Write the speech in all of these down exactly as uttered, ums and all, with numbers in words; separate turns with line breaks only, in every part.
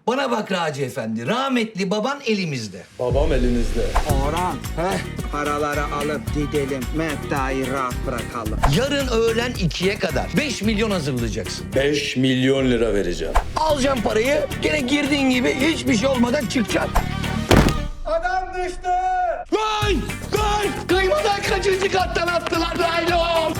Bana bak Raci Efendi, rahmetli baban elimizde.
Babam elinizde.
Orhan, heh, paraları alıp gidelim. Mehta'yı rahat bırakalım.
Yarın öğlen ikiye kadar beş milyon hazırlayacaksın.
beş milyon lira vereceğim.
Alacaksın parayı, gene girdiğin gibi hiçbir şey olmadan çıkacaksın.
Adam düştü.
Lan! Lan! Kıymadan kaçıncı kattan attılar Naylon?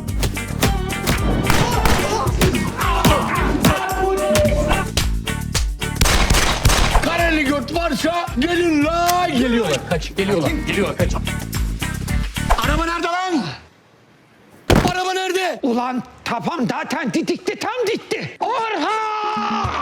Kareli göt varsa gelin la! Geliyorlar, kaç, geliyorlar, geliyorlar, kaç. Araba nerede lan? Araba nerede?
Ulan tapam zaten didikti, tam ditti. Orhan!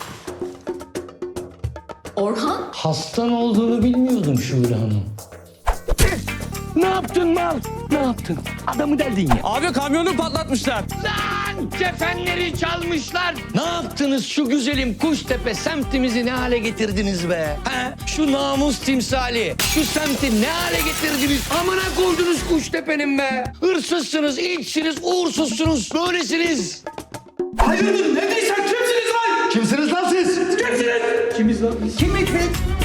Orhan?
Hastan olduğunu bilmiyordum Şule Hanım. Ne yaptın mal? Ne yaptın? Adamı deldin ya.
Abi kamyonu patlatmışlar.
Lan kefenleri çalmışlar. Ne yaptınız şu güzelim Kuştepe semtimizi ne hale getirdiniz be? He? Şu namus timsali, şu semti ne hale getirdiniz? Amına koydunuz Kuştepe'nin be. Hırsızsınız, içsiniz, uğursuzsunuz. Böylesiniz.
Hayırdır ne diysen kimsiniz lan?
Kimsiniz lan siz?
Kimsiniz? Kimiz lan biz?
Kimik biz?